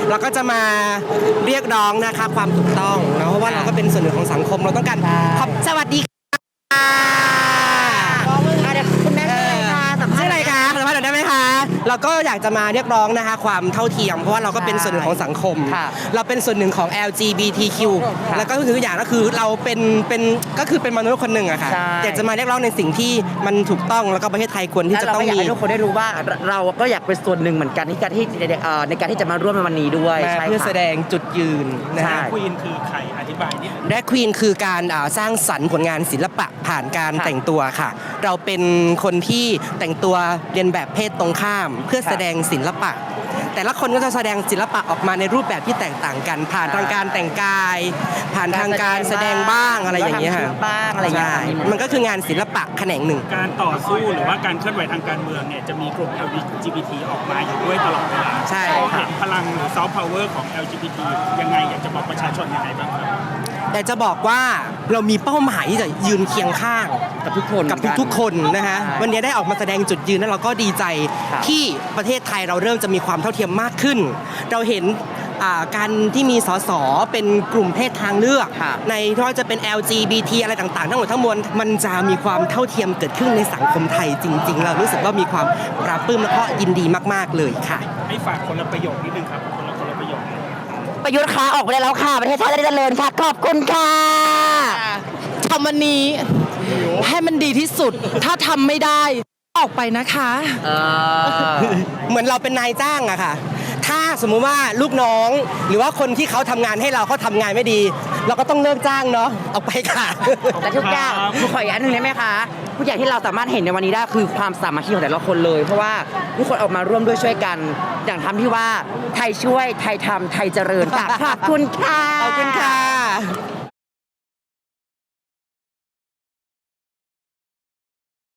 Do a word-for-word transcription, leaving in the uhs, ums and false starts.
เราก็จะมาเรียกร้องนะคะความถูกต้องนะเพราะว่าเราก็เป็นส่วนหนึ่งของสังคมเราต้องการขอบสวัสดีค่ะเดี๋ยวคุณแม่ชื่ออะไรคะสัมภาษชื่อณ์อะไรคะสัมภาษณ์หน่อยได้ไหมคะเราก็อยากจะมาเรียกร้องนะคะความเท่าเทียมเพราะว่าเราก็เป็นส่วนหนึ่งของสังคม เราเป็นส่วนหนึ่งของ แอล จี บี ที คิว แล้วก็คืออย่างก็คือเราเป็นเป็นก็คือเป็นมนุษย์คนหนึ่งอะค่ะอยากจะมาเรียกร้องในสิ่งที่มันถูกต้องแล้วก็ประเทศไทยควรที่จะต้องอยากมีให้ทุกคนได้รู้ว่าเราก็อยากเป็นส่วนหนึ่งเหมือนกันที่การที่ในการที่จะมาร่วมในวันนี้ด้วยมาเพื่อแสดงจุดยืนนะฮะควีนคือใครอธิบายนิดนึงแดรกควีนคือการอ่าสร้างสรรค์ผลงานศิลปะผ่านการแต่งตัวค่ะ เราเป็นคนที่แต่งตัวเรียนแบบเพศตรงข้าม เพื่อแสดงศิลปะ แต่ละคนก็จะแสดงศิลปะออกมาในรูปแบบที่แตกต่างกัน ผ่านทางการแต่งกาย ผ่านทางการแสดงบ้างอะไรอย่างเงี้ยค่ะบ้างอะไรอย่างเงี้ยใช่มันก็คืองานศิลปะแขนงหนึ่งการต่อสู้หรือว่าการเคลื่อนไหวทางการเมืองเนี่ยจะมีกลุ่ม แอล จี บี ที ออกมาอยู่ด้วยตลอดเวลาใช่เราเห็นพลังหรือซอฟต์พาวเวอร์ของ แอล จี บี ที ยังไงอยากจะบอกประชาชนยังไงบ้างครับแต่จะบอกว่าเรามีเป้าหมายที่จะยืนเคียงข้างกับทุกคนกับทุกๆคนนะฮะใช่วันนี้ได้ออกมาแสดงจุดยืนแล้วเราก็ดีใจครับที่ประเทศไทยเราเริ่มจะมีความเท่าเทียมมากขึ้น เราเห็นอ่าการที่มีสสเป็นกลุ่มเพศทางเลือกครับในที่ว่าจะเป็น แอล จี บี ที อะไรต่างๆ ทั้งหมดทั้งมวลมันจะมีความเท่าเทียมเกิดขึ้นในสังคมไทยจริง ๆ เรารู้สึกว่ามีความปราบปลื้มและก็ยินดีมากๆเลยค่ะให้ฝากคนละประโยคนิดนึงครับคนละคนละประโยคประยุทธ์คะออกไปได้แล้วค่ะ ประเทศชาติจะได้เจริญค่ะ ขอบคุณค่ะทำวันนี้ให้มันดีที่สุด ถ้าทำไม่ได้ออกไปนะคะเออเหมือนเราเป็นนายจ้างอะค่ะ ถ้าสมมุติว่าลูกน้อง หรือว่าคนที่เขาทำงานให้เราเขาทำงานไม่ดี เราก็ต้องเลิกจ้างเนาะเอาไปค่ะแต่ทุกอย่างหนูขออีกอันหนึ่งได้ไหมคะทุกอย่างที่เราสามารถเห็นในวันนี้ได้คือความสามัคคีของแต่ละคนเลย เพราะว่าทุกคนออกมาร่วมด้วยช่วยกัน อย่างทำที่ว่าไทยช่วยไทยทำไทยเจริญค่ะขอบคุณค่ะขอบคุณค่ะ